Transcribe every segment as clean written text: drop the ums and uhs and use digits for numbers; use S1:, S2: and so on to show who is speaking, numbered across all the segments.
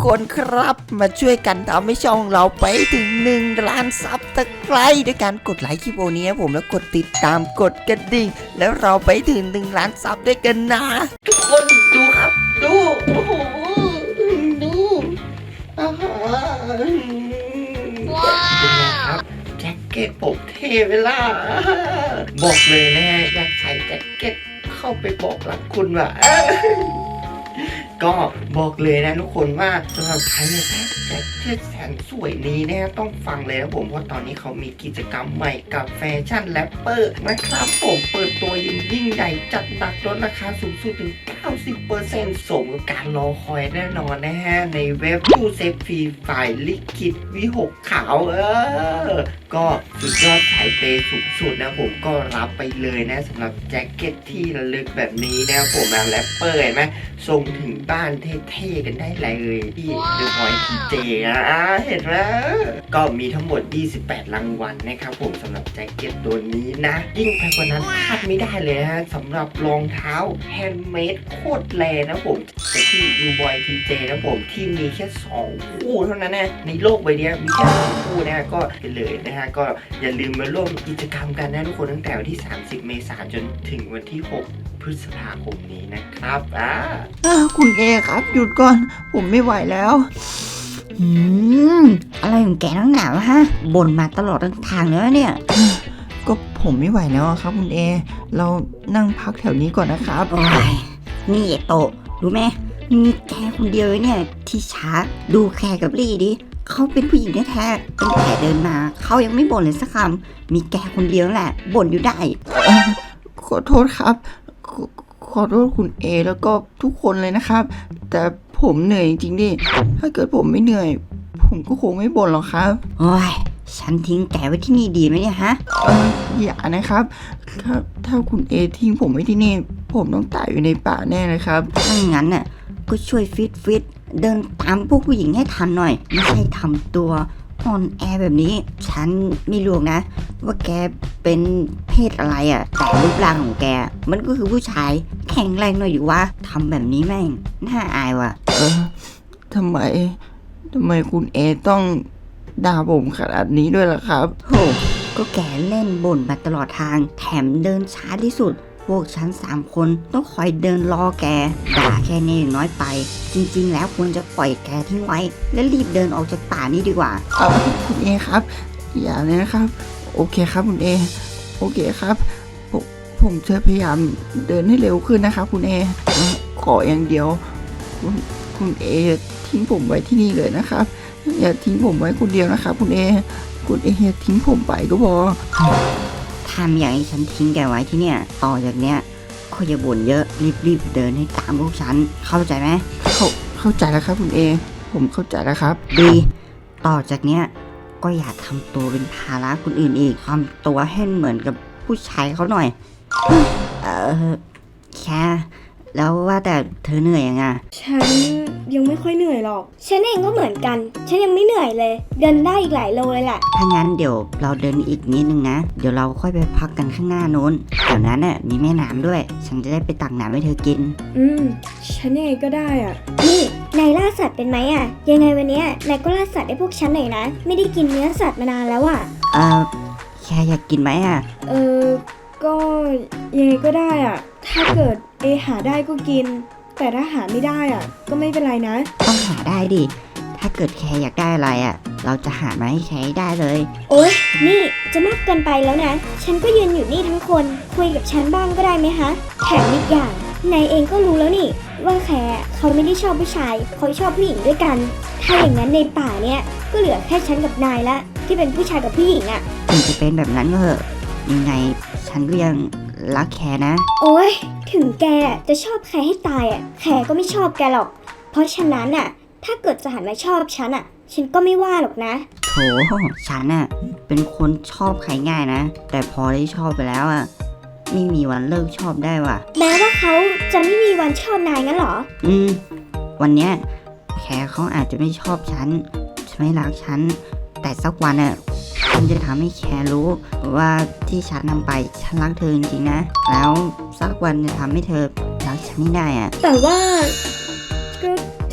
S1: คนครับมาช่วยกันทำให้ช่องเราไปถึง1 ล้านซับสไครบ์ด้วยการกดไลค์คลิปโอนี้ผมแล้วกดติดตามกดกระดิ่งแล้วเราไปถึง1 ล้านซับด้วยกันนะทุกคนดูครับดูโอ้โหดูว้าวแจ็คเก็ตผมเท่เวลาบอกเลยนะฮะอยากใส่แจ็คเก็ตเข้าไปบอกรักคุณว่ะก็บอกเลยนะทุกคนว่าสำหรับใครเนี่ยแจ็คเก็ตแสนสวยนี้นะต้องฟังเลยนะผมเพราะตอนนี้เขามีกิจกรรมใหม่กับแฟชั่นแรปเปอร์นะครับผมเปิดตัวยิ่งใหญ่จัดหนักลดราคาสูงสุดถึง 90% สมกับการรอคอยแน่นอนนะฮะในเว็บตู้เซฟฟรีฝ่ายลิขิตวิหกขาวก็สุดยอดสายเปย์สูงสุดนะผมก็รับไปเลยนะสำหรับแจ็คเก็ตที่ระลึกแบบนี้นะผมนะแรปเปอร์เห็นไหมส่งถึงบ้านเท่ๆกันได้เลยที่เดอะพอยต์ทีเจนะเห็นไหมก็มีทั้งหมด28รางวัลนะครับผมสำหรับแจ็คเก็ตตัวนี้นะยิ่งไปกว่านั้นพลาดไม่ได้เลยนะสำหรับรองเท้าแฮนด์เมดโคตรแรงนะผมจากที่ยูบอยทีเจนะผมที่มีแค่2คู่เท่านั้นนะในโลกใบนี้มีแค่2คู่นะก็เลยนะฮะก็อย่าลืมมาร่วมกิจกรรมกันนะทุกคนตั้งแต่วันที่30 เมษายนจนถึงวันที่6 พฤษภาคมนี้นะครับ
S2: คุณเอครับหยุดก่อนผมไม่ไหวแล้ว
S3: อะไรของแกนักหนาวะฮะบ่นมาตลอดทั้งทางแล้วเนี่ย
S2: ก็ผมไม่ไหวแล้วครับคุณเอเรานั่งพักแถวนี้ก่อนนะครับ
S3: โอ้ยนี่โตรู้ไหมมีแกคนเดียวเนี่ยที่ช้าดูแคร์กับลี่ดิเขาเป็นผู้หญิงแท้ๆตั้งแต่เดินมาเขายังไม่บ่นเลยสักคำมีแกคนเดียวแหละบ่นอยู่ได้
S2: ขอโทษครับขอโทษคุณเอแล้วก็ทุกคนเลยนะครับแต่ผมเหนื่อยจริงๆดิถ้าเกิดผมไม่เหนื่อยผมก็คงไม่บ่นหรอกครับ
S3: โอ้ยฉันทิ้งแกไว้ที่นี่ดีไหมเนี่ยฮะ
S2: อย่านะครับถ้าคุณเอทิ้งผมไว้ที่นี่ผมต้องตายอยู่ในป่าแน่เลยครับ
S3: ถ้างั้นน่ะก็ช่วยฟิตเดินตามพวกผู้หญิงให้ทันหน่อยไม่ใช่ทำตัวอ่อนแอแบบนี้ฉันไม่รู้นะว่าแกเป็นเพศอะไรอ่ะแต่รูปร่างของแกมันก็คือผู้ชายแข็งแรงหน่อยอยู่วะทำแบบนี้แม่งน่าอายว่ะ
S2: ทำไมคุณเอต้องด่าผมขนาดนี้ด้วยล่ะครับ
S3: โหก็แกเล่นบ่นมาตลอดทางแถมเดินช้าที่สุดพวกฉัน3 คนต้องคอยเดินรอแกด่าแค่นี้น้อยไปจริงๆแล้วควรจะปล่อยแกทิ้งไว้และรีบเดินออกจากป่านี้ดีกว่า
S2: คุณเอครับอย่าเลยนะครับโอเคครับคุณเอโอเคครับผมจะพยายามเดินให้เร็วขึ้นนะครับคุณเอขออย่างเดียวคุณเอทิ้งผมไว้ที่นี่เลยนะครับอย่าทิ้งผมไว้คนเดียวนะครับคุณเอทิ้งผมไปก็พอ
S3: ทำอย่างให้ฉันทิ้งแกไว้ที่เนี่ยต่อจากเนี้ยก็อย่าบ่นเยอะรีบเดินให้ตามพวกฉันเข้าใจไหม
S2: เข้าใจแล้วครับคุณเอผมเข้าใจแล้วครับ
S3: ดีต่อจากเนี้ยก็อย่าทำตัวเป็นภาระคนอื่นอีกทำตัวให้เหมือนกับผู้ชายเขาหน่อยแค่แล้วว่าแต่เธอเหนื่อยยังไง
S4: ฉันยังไม่ค่อยเหนื่อยหรอกฉันเองก็เหมือนกันฉันยังไม่เหนื่อยเลยเดินได้อีกหลายโลเลยแหละ
S3: ถ้างั้นเดี๋ยวเราเดินอีกนิดนึงนะเดี๋ยวเราค่อยไปพักกันข้างหน้าโน้นแถวนั้นน่ะมีแม่น้ำด้วยฉันจะได้ไปตักน้ำให้เธอกิน
S4: ฉันเองก็ได้อ่ะนี่นายล่าสัตว์เป็นไหมอ่ะยังไงวันนี้นายก็ล่าสัตว์ให้พวกฉันหน่อยนะไม่ได้กินเนื้อสัตว์มานานแล้วอ่ะ
S3: แค่อยากกินไหมอ่ะ
S4: ก็ยังไงก็ได้อ่ะถ้าเกิดหาได้ก็กินแต่ถ้าหาไม่ได้อ่ะก็ไม่เป็นไรนะ
S3: ต้องหาได้ดิถ้าเกิดแคร์อยากได้อะไรอ่ะเราจะหามาให้แคร์ได้เลย
S4: โอ๊ยนี่จะมากเกินไปแล้วนะฉันก็ยืนอยู่นี่ทั้งคนคุยกับฉันบ้างก็ได้ไหมฮะแถมอีกอย่างนายเองก็รู้แล้วนี่ว่าแคร์เขาไม่ได้ชอบผู้ชายเขาชอบผู้หญิงด้วยกันถ้าอย่างนั้นในป่าเนี้ยก็เหลือแค่ฉันกับนายละที่เป็นผู้ชายกับผู้หญิงอ่ะ
S3: ถึงจะเป็นแบบนั้นก็เถอะยังไงฉันก็ยังรักแคร์นะ
S4: โอ๊ยถึงแกจะชอบแคร์ให้ตายอ่ะแคร์ก็ไม่ชอบแกหรอกเพราะฉะนั้นอ่ะถ้าเกิดจะหันมาชอบฉันอ่ะฉันก็ไม่ว่าหรอกนะ
S3: โถฉันอ่ะเป็นคนชอบใครง่ายนะแต่พอได้ชอบไปแล้วอ่ะไม่มีวันเลิกชอบได้ว่ะ
S4: แม้ว่าเขาจะไม่มีวันชอบนายงั้นหรอ
S3: วันเนี้ยแคร์เขาอาจจะไม่ชอบฉันไม่รักฉันแต่สักวันอ่ะฉันจะทำให้แคร์รู้ว่าที่ฉันทำไปฉันรักเธอจริงๆนะแล้วสักวันจะทำให้เธอรักฉันได้อ่ะ
S4: แต่ว่าก็ที่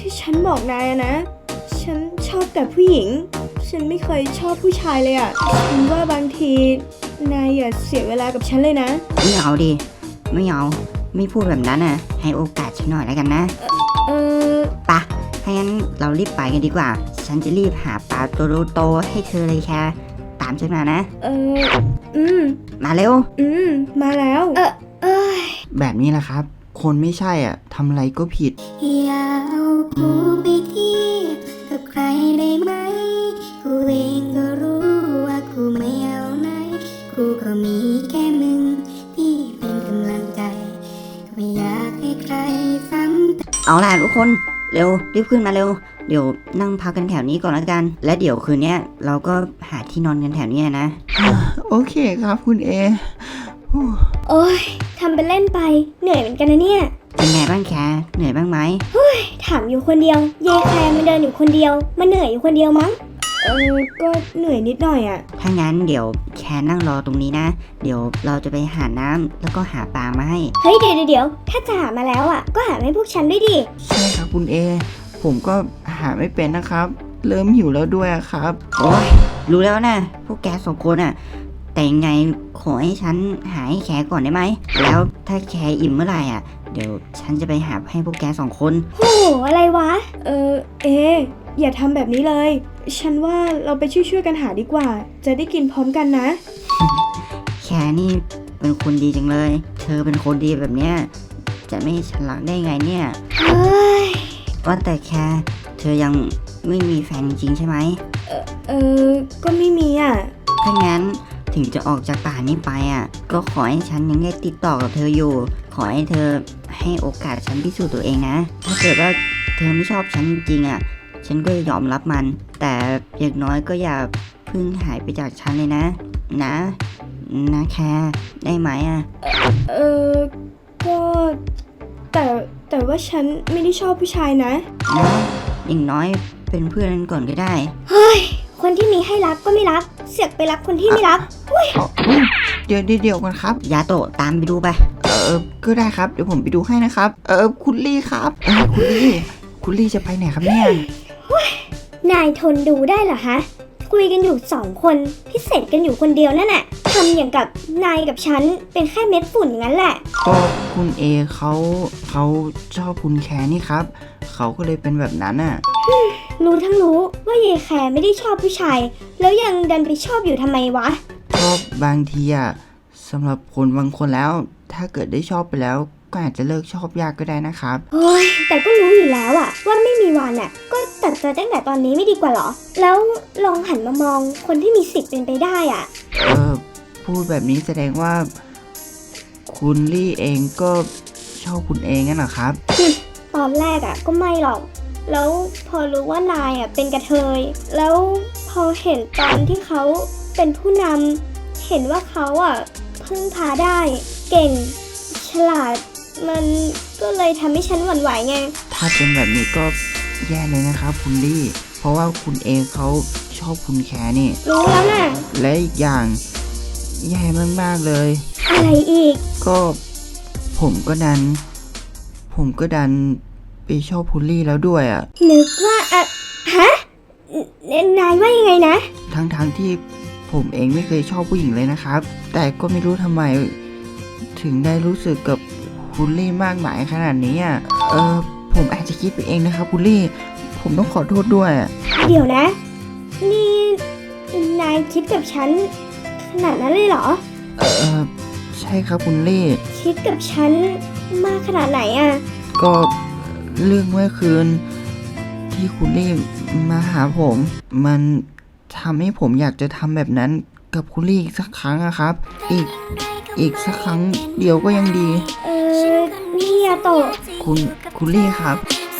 S4: ที่ฉันบอกนายอะนะฉันชอบแต่ผู้หญิงฉันไม่เคยชอบผู้ชายเลยอะฉันว่าบางทีนายอย่าเสียเวลากับฉันเลยนะ
S3: ไม่เอาดิไม่เอาไม่พูดแบบนั้นน่ะให้โอกาสฉันหน่อยแล้วกันนะ
S4: เออ
S3: ปะถ้างั้นเรารีบไปกันดีกว่า ฉันจะรีบหาปลาตัวโตๆให้เธอเลยแค่ตามฉันมานะ มาเร็ว
S4: มาแล้ว
S2: แบบนี้แหละครับ คนไม่ใช่อ่ะทำอะไรก็ผิด
S5: อย่าเอากูไปเทียบกับใครได้ไหม กูเองก็รู้ว่ากูไม่เอาไหน กูก็มีแค่มึงที่เป็นกำลังใจ ไม่อยากให้ใครซ้ำ
S3: เอาล่ะทุกคนเร็วรีบขึ้นมาเร็ว เดี๋ยวนั่งพักกันแถวนี้ก่อนแล้วกัน และเดี๋ยวคืนเนี้ยเราก็หาที่นอนกันแถวนี้นะ
S2: โอเคครับคุณเอ
S4: โอ้ยทำเป็นเล่นไปเหนื่อยเหมือนกันนะเนี่ย
S3: เป็นไงบ้างแคเหนื่อยบ้างไหม
S4: ถามอยู่คนเดียวเยแคร์มันเดินอยู่คนเดียวมันเหนื่อยอยู่คนเดียวมั้งก็เหนื่อยนิดหน่อยอะ
S3: ถ้างั้นเดี๋ยวแคนั่งรอตรงนี้นะ เดี๋ยวเราจะไปหาน้ำแล้วก็หาปลามาให้
S4: เฮ้ยเดี๋ยวถ้าจะหามาแล้วอะก็หามาให้พวกฉันด้วยดิ
S2: ใช่ครับคุณเอ ผมก็หาไม่เป็นนะครับ เริ่มหิวแล้วด้วยอะครับ
S3: โอ้ยรู้แล้วนะพวกแกสองคนอ่ะ แต่ยังไงขอให้ฉันหาให้แคก่อนได้ไหม แล้วถ้าแคอิ่มเมื่อไหร่อ่ะ เดี๋ยวฉันจะไปหาให้พวกแกสองคน
S4: โอ้โหอะไรวะอย่าทำแบบนี้เลย ฉันว่าเราไปช่วยๆกันหาดีกว่า จะได้กินพร้อมกันนะ
S3: แคนี่เป็นคนดีจังเลย เธอเป็นคนดีแบบเนี้ยจะไม่ให้ฉันรักได้ไงเนี่ย
S4: เฮ้ย
S3: ว่าแต่แคเธอยังไม่มีแฟนจริงๆใช่ไหม
S4: ก็ไม่มีอะ
S3: ถ้างั้นถึงจะออกจากป่านี้ไปอ่ะ ก็ขอให้ฉันยังได้ติดต่อกับเธออยู่ ขอให้เธอให้โอกาสฉันพิสูจน์ตัวเองนะ ถ้าเกิดว่าเธอไม่ชอบฉันจริงๆอ่ะ ฉันก็จะยอมรับมัน แต่อย่างน้อยก็อย่าเพิ่งหายไปจากฉันเลยนะ นะแคร์ได้ไหมอ่ะ
S4: ก็แต่ว่าฉันไม่ได้ชอบผู้ชายนะ
S3: นะอย่างน้อยเป็นเพื่อนกันก่อนก็ได้
S4: คนที่มีให้รักก็ไม่รัก เสือกไปรักคนที่ไม่รัก
S2: เดี๋ยวกันครับ
S3: ยาโตะตามไปดูไป
S2: ก็ได้ครับ เดี๋ยวผมไปดูให้นะครับ คุณลี่ครับคุณลี่จะไปไหนครับเนี่ย
S4: นายทนดูได้เหรอฮะ คุยกันอยู่2 คนพิเศษกันอยู่คนเดียวนั่นแหละทำอย่างกับนายกับฉันเป็นแค่เม็ดฝุ่นอย่างนั้นแหละ
S2: ก็คุณเอเขาชอบคุณแคร์นี่ครับ เขาก็เลยเป็นแบบนั้นน่ะ
S4: รู้ทั้งรู้ว่าเยแคร์ไม่ได้ชอบผู้ชาย แล้วยังดันไปชอบอยู่ทำไมวะ
S2: ก็บางทีอะสำหรับคนบางคนแล้ว ถ้าเกิดได้ชอบไปแล้ว ก็อาจจะเลิกชอบยากก็ได้นะครับ
S4: โอ้ยแต่ก็รู้อยู่แล้วอะว่าไม่มีวันอะก็ตัดใจตั้งแต่ตอนนี้ไม่ดีกว่าเหรอ แล้วลองหันมามองคนที่มีสิทธิ์เป็นไปได้อะ
S2: พูดแบบนี้แสดงว่า คุณลี่เองก็ชอบคุณเองงั้นเหรอครับ
S4: ตอนแรกอะก็ไม่หรอก แล้วพอรู้ว่านายอะเป็นกระเทย แล้วพอเห็นตอนที่เขาเป็นผู้นำเห็นว่าเขาอะพึ่งพาได้ เก่ง ฉลาด มันก็เลยทำให้ฉันหวั่นไหวไง
S2: ถ้าเป็นแบบนี้ก็แย่เลยนะครับ คุณลี่ เพราะว่าคุณเองเขาชอบคุณแคร์นี่
S4: รู้แล้วน่ะ
S2: และอีกอย่างแย่มากๆเลย
S4: อะไรอีก
S2: ก็ผมก็ดันไปชอบคุณลี่แล้วด้วยอ่ะ
S4: นึกว่าฮะ นายว่ายังไงนะ
S2: ทั้งที่ผมเองไม่เคยชอบผู้หญิงเลยนะครับ แต่ก็ไม่รู้ทำไม ถึงได้รู้สึกกับคุณลี่มากมายขนาดนี้อ่ะผมอาจจะคิดไปเองนะครับคุณลี่ ผมต้องขอโทษด้วยอะ
S4: เดี๋ยวนะ นี่นายคิดกับฉันขนาดนั้นเลยเหรอ
S2: ใช่ครับคุณลี่
S4: คิดกับฉันมากขนาดไหนอะ
S2: ก็เรื่องเมื่อคืน ที่คุณลี่มาหาผม มันทำให้ผมอยากจะทำแบบนั้นกับคุณลี่อีกสักครั้งอะครับ อีกสักครั้งเดียวก็ยังดี
S4: นี่ยาโตะ
S2: คุณลี่ครับ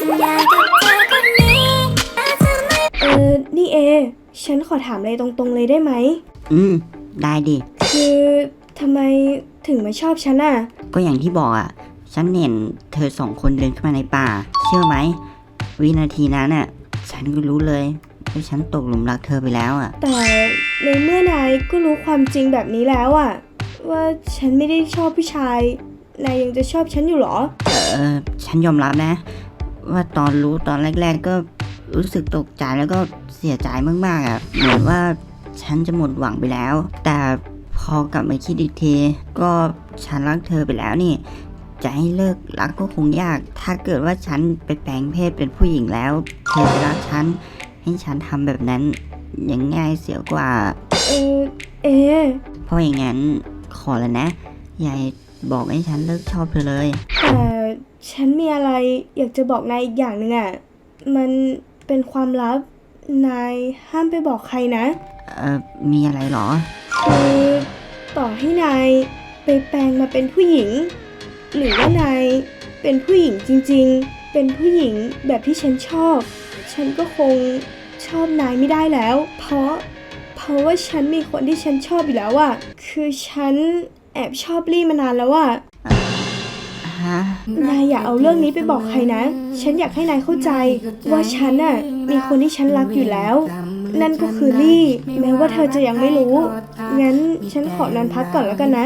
S4: นี่ฉันขอถามอะไรตรงๆเลยได้ไหม
S3: ได้ดิ
S4: คือทำไมถึงมาชอบฉันอะ
S3: ก็อย่างที่บอกอ่ะ ฉันเห็นเธอสองคนเดินเข้ามาในป่า เชื่อไหม วินาทีนั้นอ่ะ ฉันก็รู้เลยว่าฉันตกหลุมรักเธอไปแล้วอ่ะ
S4: แต่ในเมื่อนายก็รู้ความจริงแบบนี้แล้วอะว่าฉันไม่ได้ชอบผู้ชาย นายยังจะชอบฉันอยู่เหรอ
S3: ฉันยอมรับนะว่าตอนรู้ตอนแรก ๆ ก็รู้สึกตกใจแล้วก็เสียใจมากๆอะเหมือนว่าฉันจะหมดหวังไปแล้ว แต่พอกลับมาคิดอีกทีก็ฉันรักเธอไปแล้วนี่ จะให้เลิกรักก็คงยาก ถ้าเกิดว่าฉันไปแปลงเพศเป็นผู้หญิงแล้วเธอจะรักฉันให้ฉันทำแบบนั้นยังง่ายเสียกว่า
S4: เอ
S3: เพราะอย่างนั้นขอแล้วนะยายบอกให้ฉันเลิกชอบเธอเลย
S4: แต่ฉันมีอะไรอยากจะบอกนายอีกอย่างหนึ่งอะมันเป็นความลับ นายห้ามไปบอกใครนะ
S3: มีอะไรหรอ
S4: คือต่อให้นายไปแปลงมาเป็นผู้หญิง หรือว่านายเป็นผู้หญิงจริงๆ เป็นผู้หญิงแบบที่ฉันชอบ ฉันก็คงชอบนายไม่ได้แล้ว เพราะว่าฉันมีคนที่ฉันชอบอยู่แล้วอะคือฉันแอบชอบลี่มานานแล้วอะ
S3: ฮะ
S4: นายอย่าเอาเรื่องนี้ไปบอกใครนะ ฉันอยากให้นายเข้าใจว่าฉันน่ะมีคนที่ฉันรักอยู่แล้ว นั่นก็คือลี่ แม้ว่าเธอจะยังไม่รู้ งั้นฉันขอนอนพักก่อนแล้วกันนะ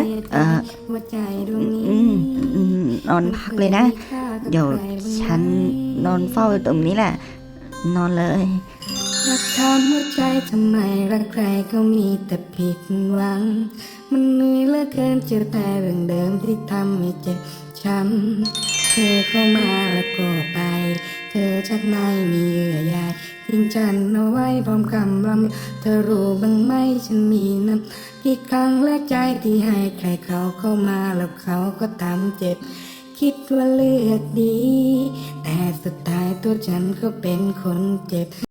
S3: นอนพักเลยนะ เดี๋ยวฉันนอนเฝ้าอยู่ตรงนี้แหละ นอนเลย
S5: รักถามหัวใจทำไมรักใครก็มีแต่ผิดหวัง มันเหนื่อยเหลือเกินเจอแต่เรื่องเดิมที่ทำให้เจ็บช้ำเธอเข้ามาแล้วก็ไป เธอชักไม่มีเยื่อใยทิ้งฉันเอาไว้พร้อมคำรำเธอรู้บ้างไหมฉันมีน้ำกี่ครั้งและใจที่ให้ใครเขาเข้ามาแล้วเขาก็ทำเจ็บ คิดว่าเลือกดี แต่สุดท้ายตัวฉันก็เป็นคนเจ็บ